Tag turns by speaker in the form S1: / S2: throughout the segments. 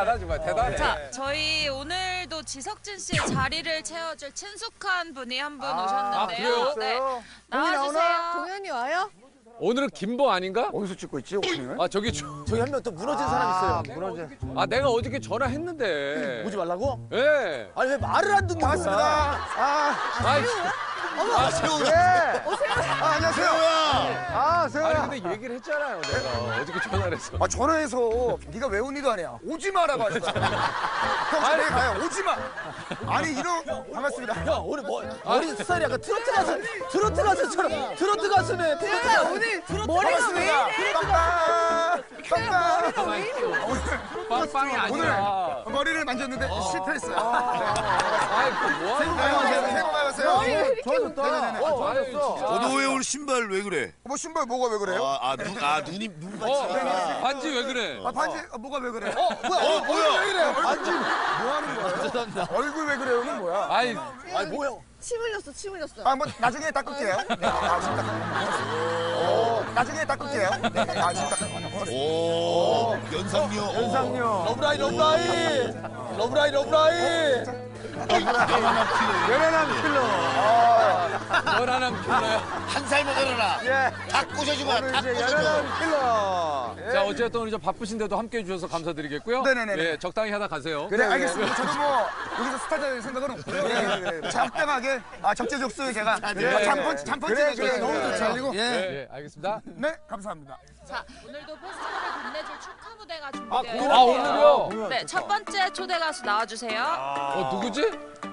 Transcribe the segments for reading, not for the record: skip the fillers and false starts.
S1: 대단하다 정말 대단해.
S2: 자, 저희 오늘도 지석진 씨의 자리를 채워줄 친숙한 분이 한 분 오셨는데요. 네, 나와주세요.
S3: 동현이 와요?
S1: 오늘은 김보 아닌가?
S4: 어디서 찍고 있지, 오프닝을?
S1: 아 저기
S4: 저기 한 명 또 무너진 사람 있어요. 무너진.
S1: 아 내가 어저께 전화했는데.
S4: 오지 말라고?
S1: 예.
S4: 아니 왜 말을 안 듣는 거야? 반갑습니다.
S1: 아이
S4: 아, 세호야. 안녕하세요. 아, 세호야.
S1: 아니 근데 얘기를 했잖아요 내가 어저께 전화를 해서.
S4: 아, 전화해서 네가 왜 온 일도 아니야. 오지 마라고 하셨잖아. 형, 내일 가요. 오지 마. 아니, 이런 반갑습니다. 형, 오늘 머리 스타일이 약간 트로트 가수처럼. 트로트 가수네. 트로트 가수.
S3: 오늘 머리가 왜 이래?
S4: 빵빵.
S3: 왜 이래?
S1: 빵빵이 아니라.
S4: 오늘 머리를 만졌는데 실패했어요.
S1: 아이 뭐 하는 거야?
S4: 새해 복 많이 받으세요.
S3: 머리 왜 이렇게
S4: 네네네.
S1: 좋아졌어.
S5: 너 왜 오늘 신발 왜 그래?
S4: 뭐 신발 뭐가 왜 그래요?
S5: 눈이 눈 반지.
S1: 반지 왜 그래?
S4: 아, 반지 뭐가 왜 그래?
S5: 뭐야?
S4: 왜 이래? 반지 뭐 하는 거예요? 얼굴 왜 그래요는 뭐야?
S1: 아이
S4: 뭐야?
S3: 침 흘렸어, 침 흘렸어.
S4: 아, 뭐 나중에 닦을게요. 네. 아, 지금 닦을게요. 나중에 닦을게요. 네. 아, 지금 닦을게요.
S5: 오, 연상녀.
S4: 러브라이. 연하남 킬러.
S1: 연하남 킬러야.
S5: 한 살만 어려라.
S4: 예.
S5: 다 꼬셔주고 다 꼬셔줘.
S4: 연하남 킬러.
S1: 자 어쨌든 오늘 바쁘신데도 함께해 주셔서 감사드리겠고요.
S4: 네네네네.
S1: 예, 적당히 하다 가세요.
S4: 네, 알겠습니다. 저도 뭐 여기서 스타 될 생각은 없고요. 네. 적당하게 적재적소에 제가 잠펀치
S1: 그래,
S4: 너무 좋죠.
S1: 예, 알겠습니다.
S4: 네, 감사합니다.
S2: 자, 오늘도 페스티벌을 빛내줄 축하 무대가
S1: 아
S2: 준비되어
S1: 오늘요?
S2: 네, 첫 번째 초대 가수 나와주세요.
S1: 누구지?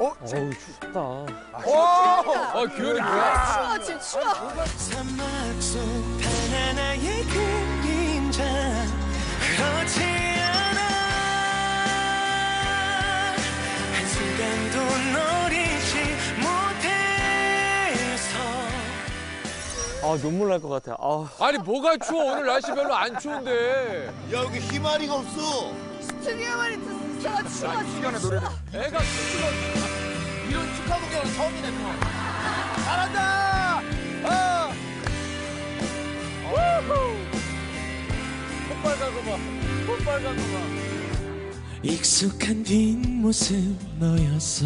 S1: 규현이 뭐야?
S3: 추워, 지금 추워.
S6: 사막 속 바나나의 그림자 그렇지 않아 한순간도 널 잊지 못해서
S7: 눈물 날 것 같아.
S1: 아니 뭐가 추워? 오늘 날씨 별로 안 추운데.
S5: 야 여기 희마리가 없어.
S3: 스튜디오만 있었어. 추워,
S4: 시간에 노래를.
S1: 애가 춥지가
S4: 이런 축하 공연은 처음이네, 또. 잘한다!
S1: 콧빨간 거 봐. 콧빨간 거 봐.
S6: 익숙한 뒷모습 너였어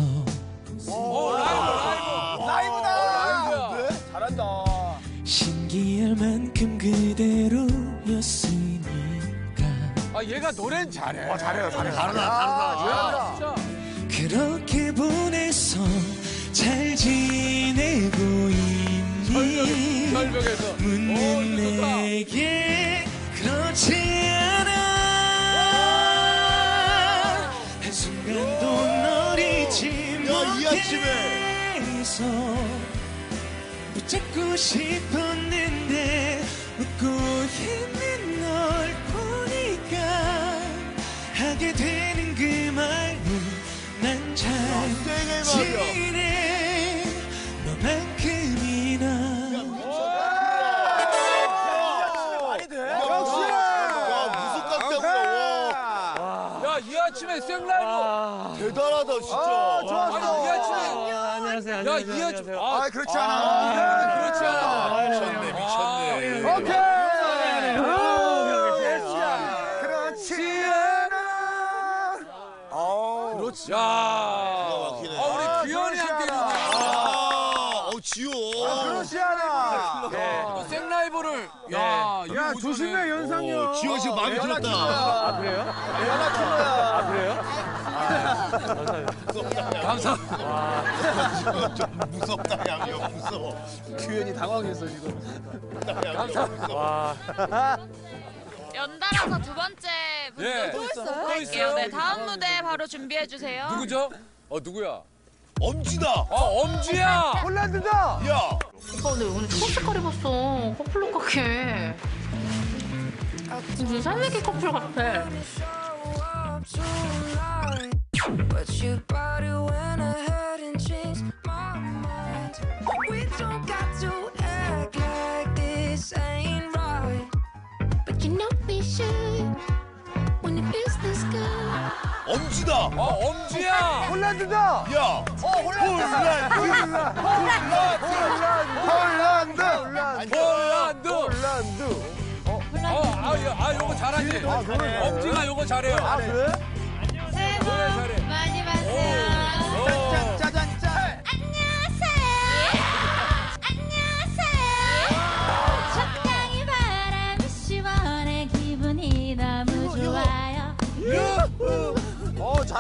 S4: 라이브다!
S1: 라이브야.
S4: 잘한다.
S6: 신기할 만큼 그대로였으니까
S1: 아 얘가 노래는 잘해.
S4: 잘해요.
S1: 야, 진짜.
S6: 그렇게 보내서 잘 지내고 있니
S1: 절벽에서.
S6: 묻는
S1: 이거 좋다.
S6: 내게 그렇지 않아 한순간도 널 잊지
S5: 이 아침에.
S6: 못해서 붙잡고 싶었는데 웃고 있는 널 보니까 하게 되는 그 말은 난 잘 지내 너만큼이나
S1: 야, 이 아침에 생라이브.
S5: 대단하다 진짜.
S1: 아니, 이 아침에.
S7: 안녕하세요.
S1: 야, 이 아침에.
S4: 아, 그렇지 않아.
S1: 그렇지 않아.
S5: 미쳤네.
S4: 오케이! 그렇지 않아.
S1: 그렇지. 야.
S5: 막히네.
S1: 우리 규현이 함께 해주네.
S5: 지호.
S4: 그렇지 않아.
S1: 생라이브를. 야,
S4: 야, 조심해, 연상이야.
S5: 지호 지금 마음에 들었다.
S7: 아, 그래요? 아, 그래요?
S1: 감사합니다.
S5: 좀 무섭다 양이야 무서워.
S4: 규현이 당황했어, 지금.
S2: 연달아서 두 번째
S1: 예.
S2: 분도 할게요. 네, 다음 무대 바로 준비해 주세요.
S1: 누구죠? 누구야?
S5: 엄지다.
S1: 엄지야.
S4: 홀란드다.
S5: 야.
S8: 오빠 근데 오늘 초록 색깔 입었어. 커플룩 같게. 무슨 살레기 커플 같아.
S9: But you bought it when I hadn't changed my mind. We don't got to act like this ain't right.
S8: But you know we should when it feels this good.
S5: 엄지다.
S1: 엄지야.
S4: 홀란드다.
S5: 야.
S1: 홀란드. 요거 잘하지. 엄지가 요거 잘해요.
S4: 그래?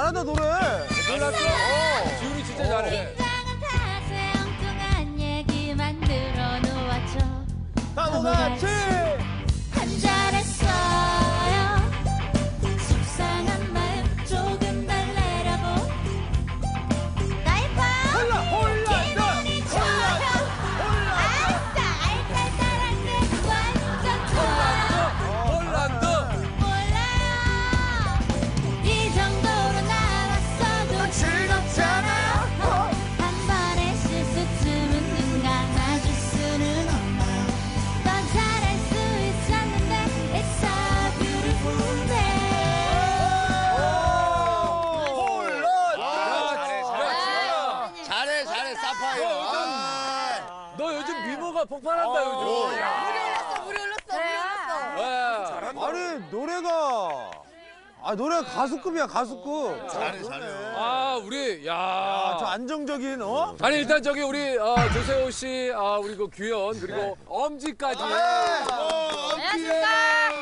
S4: 잘한다 노래.
S1: 몰랐어? 지훈이 진짜 잘해.
S9: 긴장한 탓에 엉뚱한 얘기만 늘어놓았죠.
S4: 다 같이.
S9: 한 잘했어요. 속상한 마음 조금 달래려고 나의 밤 기분이 좋아요. 아싸 알딸딸한 게 완전 좋아요.
S1: 폴란드.
S9: 몰라요 이 정도로 나왔어도 즐겁잖아요. 한 번의 실수쯤은 눈 감아줄 수는 없나요. 더 잘할 수 있었는데 It's so beautiful day.
S5: 잘해 사파이어.
S1: 너 요즘 미모가 폭발한다 요즘.
S3: 물이 흘렀어.
S1: 와.
S4: 아니 노래가 가수급이야 가수급.
S5: 잘해.
S1: 아 우리 야.
S4: 저 안정적인 어?
S1: 아니 일단 저기 우리 조세호 씨, 우리 그 규현 그리고 엄지까지.
S2: 안녕하십니까.